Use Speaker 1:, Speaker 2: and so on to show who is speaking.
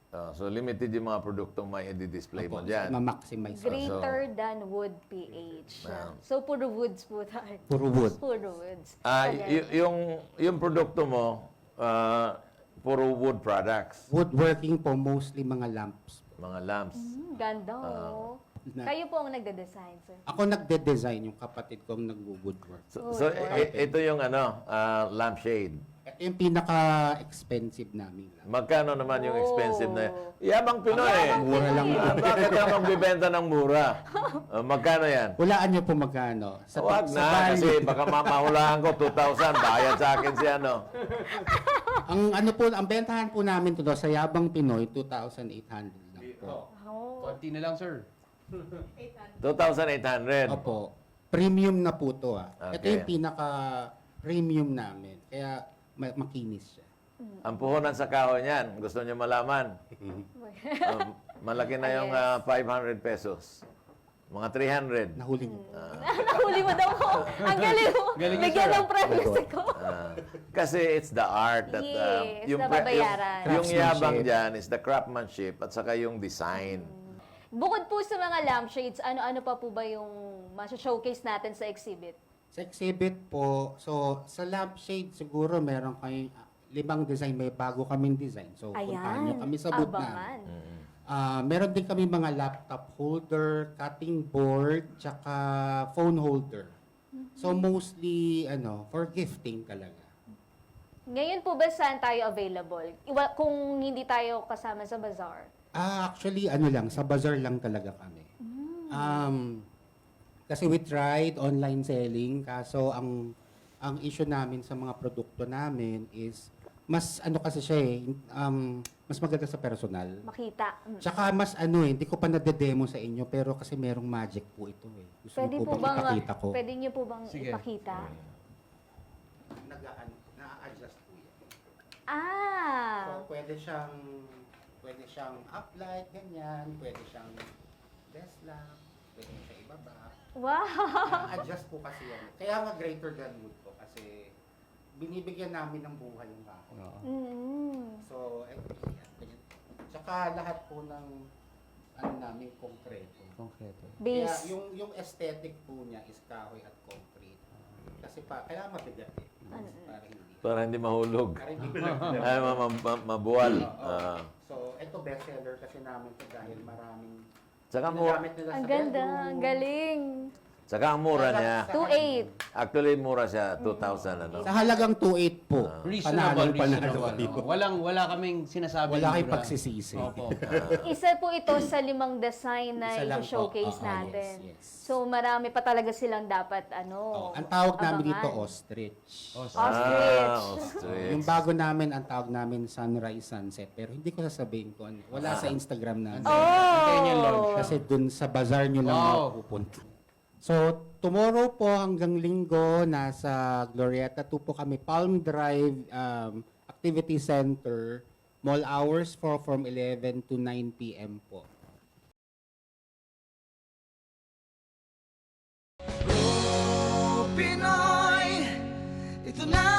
Speaker 1: So limited yung mga produktong may i-display mo dyan.
Speaker 2: Ma-maximize.
Speaker 3: Greater than wood pH. So, puro woods po tayo.
Speaker 2: Puro wood.
Speaker 3: Puro woods.
Speaker 1: Yung produkto mo, puro wood products,
Speaker 2: Woodworking po, mostly mga lamps.
Speaker 1: mga lamps.
Speaker 3: Ganda, oh. Kayo po ang nagde-design, sir.
Speaker 2: Ako nagde-design, yung kapatid ko ang nag-woodwork.
Speaker 1: So ito yung lampshade.
Speaker 2: Ito yung pinaka-expensive namin lamp.
Speaker 1: Magkano naman yung expensive na? Yabang Pinoy eh.
Speaker 2: Mura lang po.
Speaker 1: Bakit ka magbibenta ng mura? Magkano yan?
Speaker 2: Hulaan niyo po magkano.
Speaker 1: Wag na,
Speaker 2: Bali,
Speaker 1: kasi baka mahulaan ko 2,000, bayad sa akin si ano.
Speaker 2: ang bentahan po namin to sa Yabang Pinoy, 2,800 lang po.
Speaker 4: Konti na lang, sir.
Speaker 1: 2,800.
Speaker 2: Opo. Premium na po to ah. Ito
Speaker 1: Okay.
Speaker 2: yung pinaka-premium namin. Kaya makinis siya.
Speaker 1: Ang puhunan sa kahoy niyan, gusto niyo malaman? Malaki na yung 500 pesos. Mga 300.
Speaker 2: Nahuli niyo.
Speaker 3: Nahuli mo daw ko. Ang galing mo.
Speaker 4: Galing
Speaker 3: Bigyan
Speaker 4: sir.
Speaker 3: ng premise ako.
Speaker 1: Kasi it's the art that
Speaker 3: Yes,
Speaker 1: yung
Speaker 3: nababayaran.
Speaker 1: yung yabang
Speaker 2: Craftsmanship.
Speaker 1: diyan is the craftsmanship at saka yung design.
Speaker 3: Bukod po sa mga lampshades, ano-ano pa po ba yung showcase natin sa exhibit?
Speaker 2: Sa exhibit po, so sa lampshade siguro meron kayong 5 design. May bago kaming design. So puntahan niyo kami sa booth namin.
Speaker 3: Abangan.
Speaker 2: Meron din kami mga laptop holder, cutting board, tsaka phone holder. So mostly for gifting talaga.
Speaker 3: Ngayon po ba saan tayo available? Kung hindi tayo kasama sa bazaar?
Speaker 2: Actually lang, sa bazaar lang talaga kami. Kasi we tried online selling, kaso ang issue namin sa mga produkto namin is mas kasi siya mas maganda sa personal.
Speaker 3: Makita.
Speaker 2: Tsaka mas hindi ko pa nade-demo sa inyo pero kasi merong magic po ito eh. Gusto
Speaker 3: Pwede
Speaker 2: niyo
Speaker 3: po
Speaker 2: po
Speaker 3: bang,
Speaker 2: bang ipakita ko?
Speaker 3: pwede niyo po bang
Speaker 4: Sige.
Speaker 3: ipakita?
Speaker 2: Na-adjust po yan.
Speaker 3: Ah!
Speaker 2: So pwede siyang uplight, ganyan, pwede siyang desk lamp, pwede siya ibaba.
Speaker 3: Wow!
Speaker 2: Na-adjust po kasi yan. Kaya nga greater than wood po kasi binibigyan namin ng buhay yung kahoy. So, ganyan. Tsaka lahat po ng namin konkreto.
Speaker 4: Konkreto.
Speaker 2: Kaya
Speaker 3: Base.
Speaker 2: yung aesthetic po niya is kahoy at concrete. Kasi kaya mabigat eh. Para hindi.
Speaker 1: Para hindi mahulog.
Speaker 2: Para hindi
Speaker 1: Ay, mabuwal.
Speaker 2: So, ito bestseller kasi namin ito dahil maraming
Speaker 1: Tsaka
Speaker 2: ginagamit nila
Speaker 3: Ang
Speaker 2: sa
Speaker 3: ganda,
Speaker 2: bedroom.
Speaker 3: ang galing.
Speaker 1: Tsaka ang mura niya.
Speaker 3: 2.8.
Speaker 1: Actually, mura siya. 2,000
Speaker 2: Sa halagang 2.8 po.
Speaker 4: Reasonable,
Speaker 2: Panalo.
Speaker 4: reasonable. Wala kaming sinasabi.
Speaker 2: Wala kayong
Speaker 4: mura.
Speaker 2: pagsisisi.
Speaker 4: Opo.
Speaker 3: Isa po ito sa 5 design na
Speaker 2: Isa lang po.
Speaker 3: i-showcase
Speaker 2: Oo,
Speaker 3: natin.
Speaker 2: yes.
Speaker 3: So, marami pa talaga silang dapat,
Speaker 2: Ang tawag namin dito,
Speaker 3: abangan.
Speaker 2: ostrich.
Speaker 3: Ostrich.
Speaker 1: Ostrich.
Speaker 2: Yung bago namin, ang tawag namin sunrise, sunset. Pero hindi ko sasabihin ko. Wala sa Instagram na.
Speaker 4: Hintayin niyo yung launch.
Speaker 2: Kasi dun sa bazaar nyo lang
Speaker 4: Wow.
Speaker 2: mapupunta. So, tomorrow po hanggang linggo, nasa Glorieta 2 po kami, Palm Drive Activity Center. Mall hours from 11 to 9 p.m. po.
Speaker 5: Pinoy, ito na